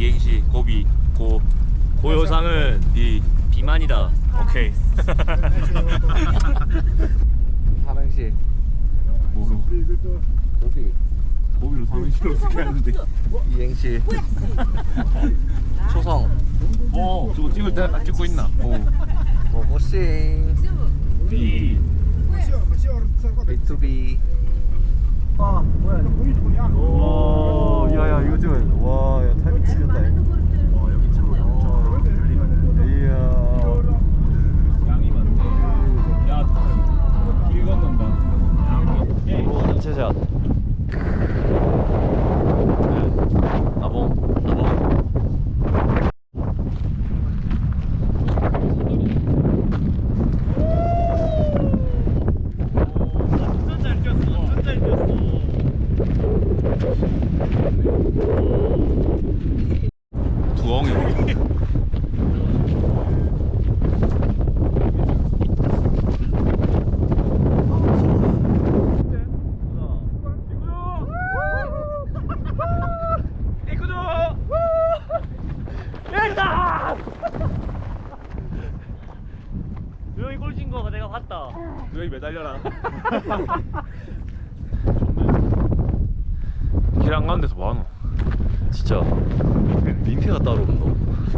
이행시 고비 고요상은 이 비만이다. 오케이. 삼행시 뭐로? 고비 고비로 삼행시를 어떻게 하는데? 이행시 초성 저거 찍을 때 찍고 있나? 고고싱 B B2B 아 뭐야 오 야야 이거 좀 와야 타이밍 지렸다 여기 차로 양쪽 들리면 이야 양이 많네. 야길 건넌다. 오 단체샷 나봉 두엉이. 여기 꼴진 거 내가 봤다. 여기 매달려라. 길 안 가는 데서 뭐하노? 진짜 민폐가 따로 없노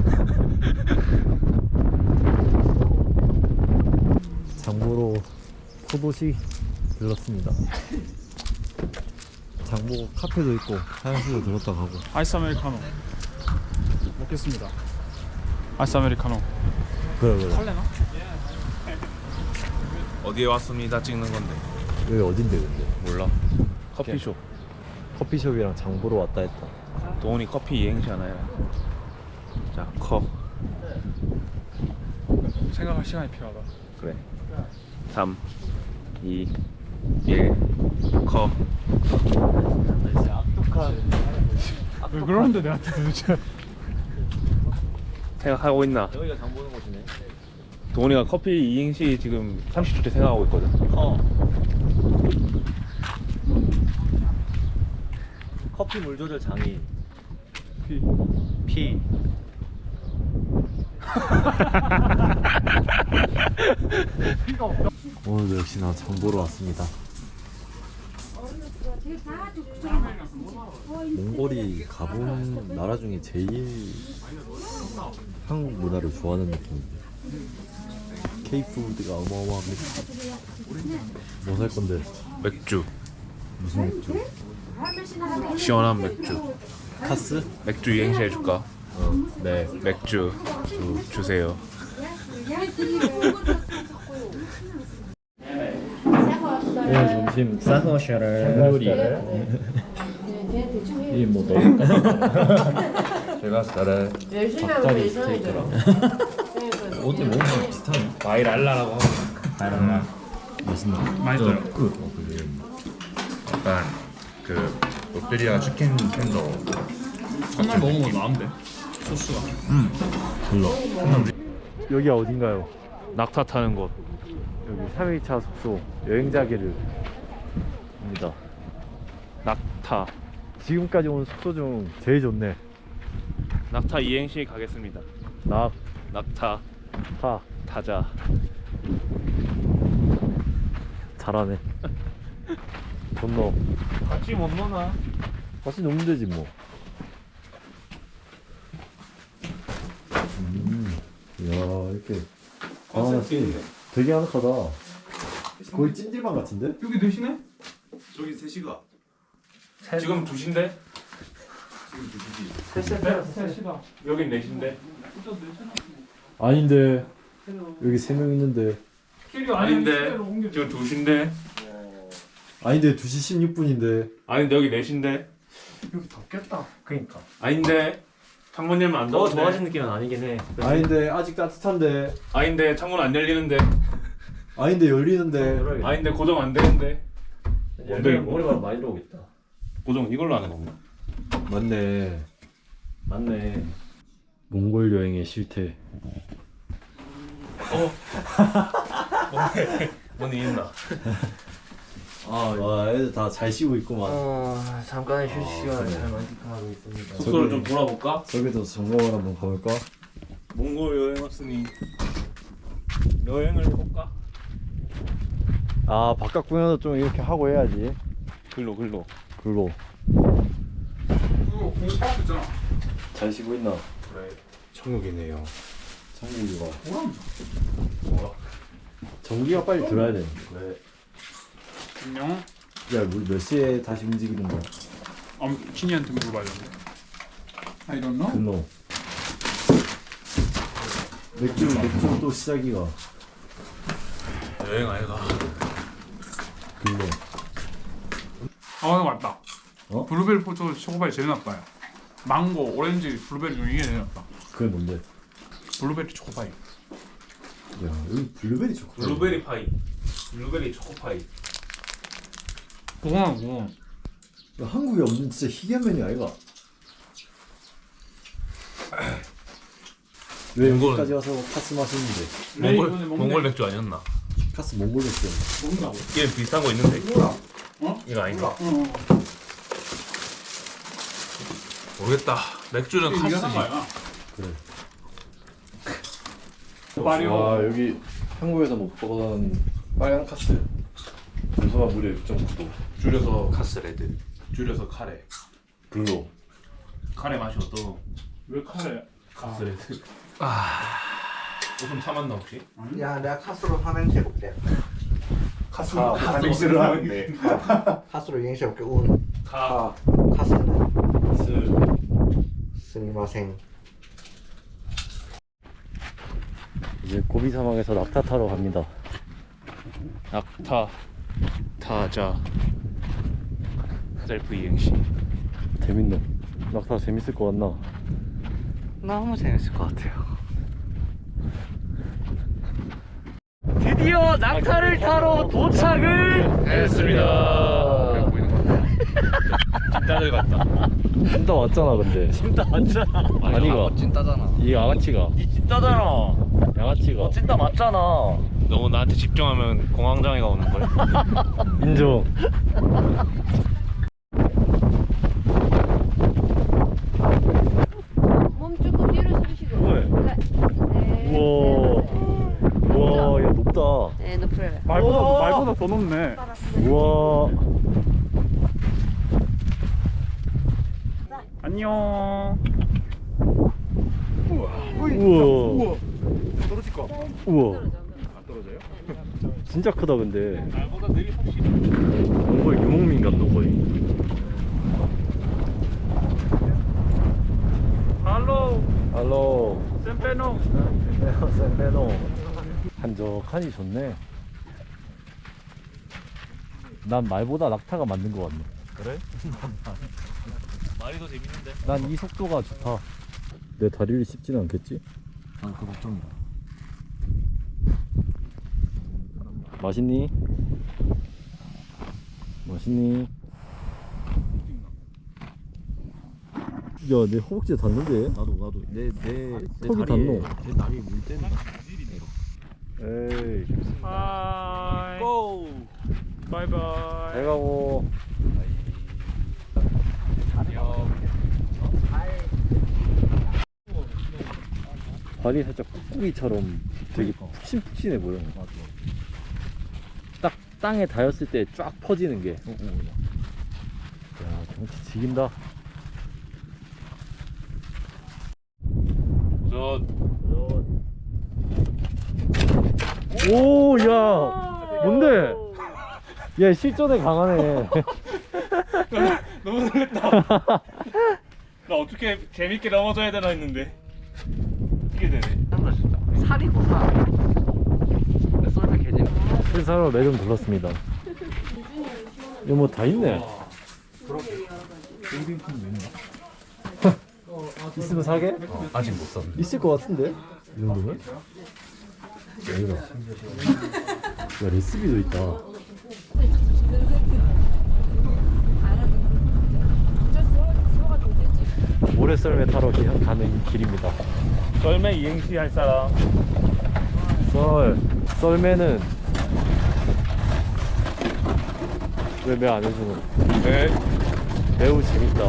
장보러 포도시 들렀습니다 장보 카페도 있고 화장실도 들었다 가고 아이스 아메리카노 먹겠습니다. 아이스 아메리카노 그래 할래나? 어디에 왔습니다 찍는 건데. 여기 어딘데 근데 몰라. 커피숍. 커피숍이랑 장보러 왔다 했다 도훈이 커피 이행시 하나요? 자, 컵. 생각할 시간이 필요하다. 그래. 3, 2, 1, 컵. 왜 그러는데 내한테 도대체? 생각하고 있나? 여기가 장보는 곳이네 도훈이가 커피 이행시 지금 30초째 생각하고 있거든. 커피 물 조절 장인 피. P 오늘도 역시나 장보러 왔습니다 몽골이 가본 나라 중에 제일 한국 문화를 좋아하는 느낌인데 K푸드가 어마어마합니다 뭐 살 건데? 맥주. 무슨 맥주? 시원한 맥주. 카스? 맥주 이행시 해줄까? 네 맥주 주세요. 오늘 점심 사거샤를 요리 이뭐 넣을까? 제가 쌀에 닭다리 스테이크랑 어제 먹으면 비슷하네 바이랄라라고 하고. 바이랄라. 맛있나? 맛있어요. 약간 그 롯데리아 치킨 텐더. 첫날 먹은 건 나은데 소스가. 불러 여기가 어딘가요? 낙타 타는 곳. 여기 3일차 숙소 여행자기를 입니다 낙타. 지금까지 온 숙소 중 제일 좋네 낙타 이행시 가겠습니다. 낙타 타 타자. 잘하네 존나 같이 못 노나? 같이 놀면 되지 뭐 이야 이렇게 되게 아늑하다 거의 찜질방 같은데? 여기 대신에? 저기 3시가. 지금 2시인데? 셋이다. 여긴 4시인데? 아닌데 여기 3명 있는데 아닌데? 지금 2시인데? 아닌데 2시 16분인데 아닌데 여기 4시인데? 여기 덥겠다. 그러니까. 아닌데? 창문 열면 안 더 더운데? 좋아진 느낌은 아니긴 해. 아닌데 아직 따뜻한데 아닌데 창문 안 열리는데? 아닌데 열리는데 아닌데 고정 안 되는데? 열면 머리가 많이 들어오겠다. 고정 이걸로 하는 건가? 맞네 맞네. 몽골 여행의 실태 뭔 일 있나? 와 애들 다 잘 쉬고 있구만. 잠깐의 휴식 시간을 잘 만끽하고 있습니다. 숙소를 좀 돌아볼까? 저기도 점검을 한번 가볼까? 몽골 여행 왔으니 여행을 해볼까? 아 바깥 공연도 좀 이렇게 하고 해야지. 글로 글로. 그거 공파업 있잖아. 잘 쉬고 있나? 그래. 천국이네요. 천국이가. 뭐야? 전기가 빨리 들어야 돼. 왜? 안녕. 야 우리 몇 시에 다시 움직이는 거야? 친이한테 물어봐야겠네. I don't know. 근로. 맥주 또 시작이가. 여행 아이가. 근로. 맞다. 어? 블루베리 포토 초코파이 제일 나빠요. 망고, 오렌지, 블루베리 중에 이게 제일 나빠. 그게 뭔데? 블루베리 초코파이. 야 여기 블루베리 초코. 블루베리 파이. 블루베리 초코파이. 그거하고 야, 한국에 없는 진짜 희귀한 메뉴 아이가? 왜 여기까지 와서 카스 마시는데? 몽골 맥주 아니었나? 카스 몽골 맥주. 먹는다고. 얘 비슷한 거 있는데. 뭐야? 이거 아닌가? 어. 모르겠다. 맥주는 이게 카스지. 한 거야. 그래. 마리오. 와 여기 한국에서 못 보던 빨간 카스. 요소가 무려 6.9도. 줄여서 카스레드. 줄여서 카레. 블루. 카레 맛이 어떠? 왜 카레? 카스레드. 웃음 참았나 혹시? 야, 내가 카스로 삼행시 해볼게. 카스를 하는데. 카스로 이행시 해볼게. 운. 카. 카스는 스. 스미마생. 이제 고비 사막에서 낙타 타러 갑니다. 낙타. 타자. 셀프 이행시. 재밌네. 낙타 재밌을 것 같나? 너무 재밌을 것 같아요. 드디어 낙타를 타러 도착을 했습니다. 보이는 것 같아. 찐따들 같다. 진짜 왔잖아 근데. 찐따 맞잖아. 아니가. 찐따잖아. 이 양아치가. 니 찐따잖아. 양아치가. 너 찐따 맞잖아. 너무 나한테 집중하면 공황장애가 오는 걸. 인정. 몸 조금 뒤로 숙이시고. 왜? 네. 우와. 우와, 야 높다. 네, 높을. 말보다 더 높네. 우와. 안녕. 우와. 떨어질까? 우와. 안 떨어져요? 진짜 크다 근데. 날보다 느리 혹시. 몽골 유목민 같노 거의. 할로. 할로. 샘페노. 센베노. 한적하니 좋네. 난 말보다 낙타가 맞는 것 같네. 그래? 말이 더 재밌는데. 난 이 속도가 좋다. 내 다리를 씹지는 않겠지? 난 그 걱정이다. 맛있니? 맛있니? 야, 내 허벅지에 닿는데? 나도 내 턱이 닿노? 내 다리 물 때문에. 에이, 하이. 고. 바이바이. 잘 가고. 발이 살짝 꾹꾹이처럼 되게 푹신푹신해 보여. 딱 땅에 닿았을 때 쫙 퍼지는 게. 야, 경치 지긴다. 오, 야, 뭔데? 야, 실전에 강하네. 너무 놀랬다. 나 어떻게 재밌게 넘어져야 되나 했는데 이게 되네. 살이고 살. 썰면 개재밌. 실사로 매점 불렀습니다. 이거 뭐 다 있네. 있으면 사게? 아직 못 샀네. 있을 것 같은데? 이 정도면? 여기다. 야, 레시피도 있다. 모래썰매 타러 가는 길입니다. 썰매 이행시 할 사람. 썰매는 왜 매 안 해주는? 네. 매우 재밌다.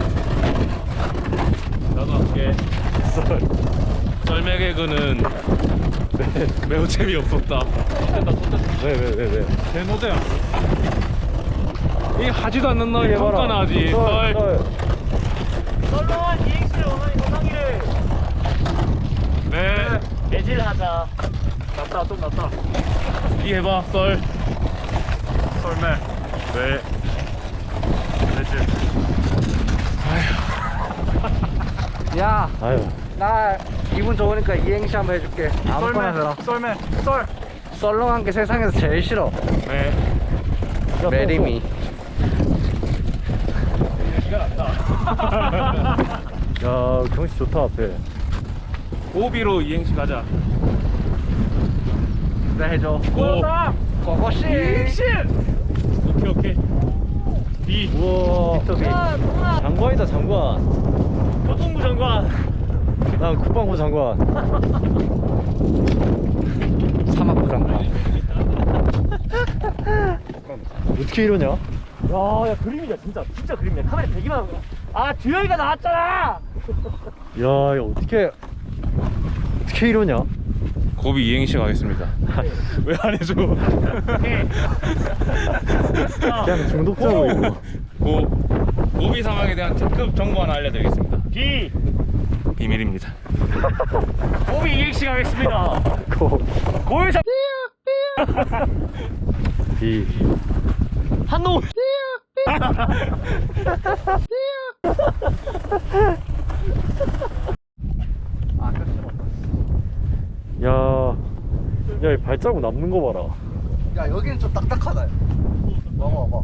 나도 할게. 썰매 개그는 매우 재미없었다. 왜? 내 노래야. 이게 하지도 않는 너 평가나 하지. 썰렁한 이행시를 원하니 고상이를 네. 매질하자. 낫다 좀 낫다. 이 해봐 썰. 썰매. 네. 매질. 야, 아유. 나 기분 좋으니까 이행시 한번 해줄게. 아무거나 해라. 썰매. 썰. 썰렁한 게 세상에서 제일 싫어. 네. 메리미. 야 경치 좋다 앞에. 고비로 이행시 가자. 그래 해줘. 고. 고고씨. 오케이. B. 우와. 빅터비. 장관이다 장관. 교통부 장관. 난 국방부 장관. 사막부 장관. 어떻게 이러냐? 야 그림이다 진짜 그림이야. 카메라 대기만 하고. 아 주영이가 나왔잖아. 야 어떻게 이러냐? 고비 이행시 가겠습니다. 왜 안 해줘? 그냥 중독자고 이거. 고비 상황에 대한 특급 정보 하나 알려드리겠습니다. B 비밀입니다. 고비 이행시 가겠습니다. 고유사 B. 한노. 야, 이 발자국 남는 거 봐라. 야, 여기는 좀 딱딱하다. 와봐.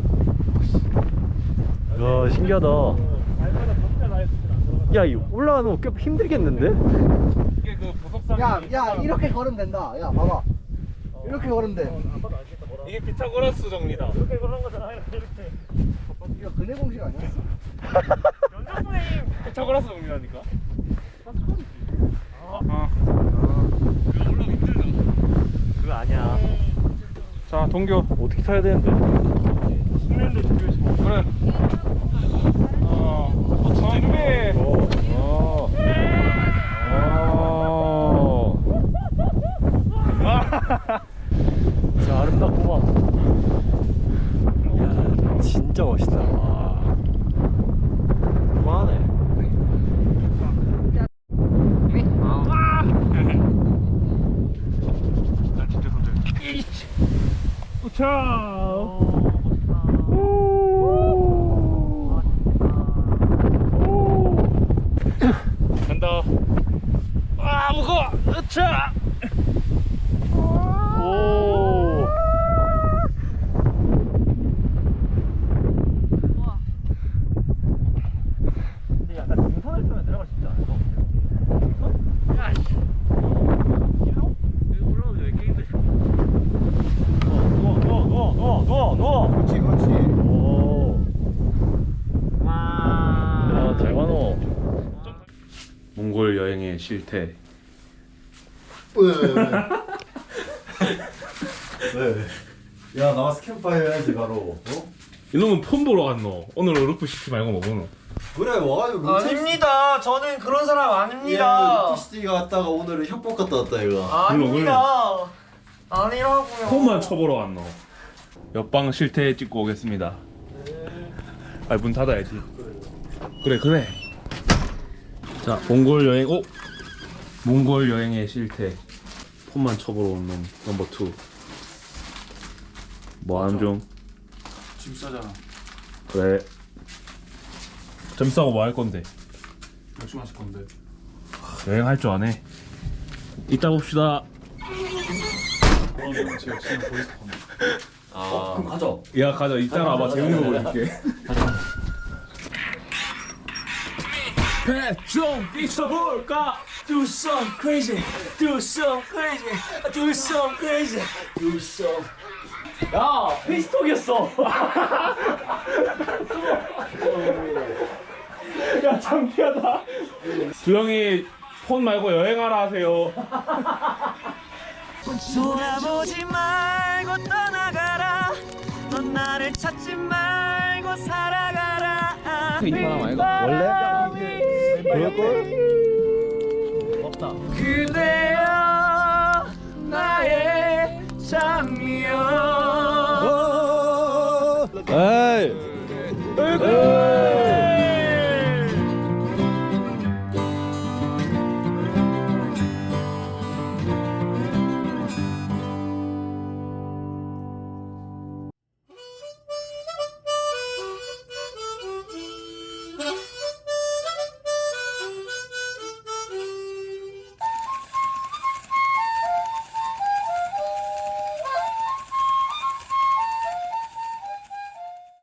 야, 신기하다. 야, 이 올라가는 거 꽤 힘들겠는데? 이게 그 보석상. 야, 이렇게 걸으면 된다. 야, 봐봐. 이렇게 걸으면 돼. 이게 피타고라스 정리다. 이렇게 그런 거잖아. 이렇게. 이거 근해 공식 아니야? 연정 선생님. 피타고라스 정리라니까. 그거 아니야. 자 동교. 어떻게 타야 되는데? 숙련도 준비해주고. 그래. 준비. 진짜 아름답구만. 야, 진짜 멋있다. 와. 그만하네. 난 진짜 손절. 간다. 아 무거워. 으차. 오. 근데 약간 등산을 타면 내려갈 수 있지 않을까? 여기 올라오면 왜 이렇게 힘드셔? 누워. 그렇지. 오. 야, 잘 가노. 몽골 여행의 실태. 왜? 야, 나와서 캠파이어 해야지 바로. 어? 이놈은 폰 보러 갔노. 오늘 루프 시티 말고 뭐 보노? 그래, 와가지고 아닙니다. 저는 그런 사람 아닙니다. TC가 갔다가 오늘은 협박 갔다 왔다 이거. 아닙니다. 아니라고요. 폰만 쳐보러 갔노. 옆방 실태 찍고 오겠습니다. 아, 문 닫아야지. 그래. 자, 몽골 여행. 몽골 여행의 실태. 폰만 쳐보러 온 놈 넘버 2. 뭐하는 중? 짐 싸잖아. 그래. 점 싸고 뭐 할 건데? 맥주 마실 건데. 여행할 줄 아네. 이따 봅시다. 제가 지금 보이스 건데. 그럼 가자. 야, 가자. 이따가 와봐. 재밌는 거 보여줄게. 좀 뛰쳐볼까? Do some crazy, do some crazy, do some crazy, do some. 야, 페이스톡이었어. 야, 창피하다. 주영이 폰 말고 여행하라 하세요. 돌아보지 말고 떠나가라. 넌 나를 찾 이 사람 아이가? 원래? 그럴걸? 없다. 그대여 나의 장미여. 에이.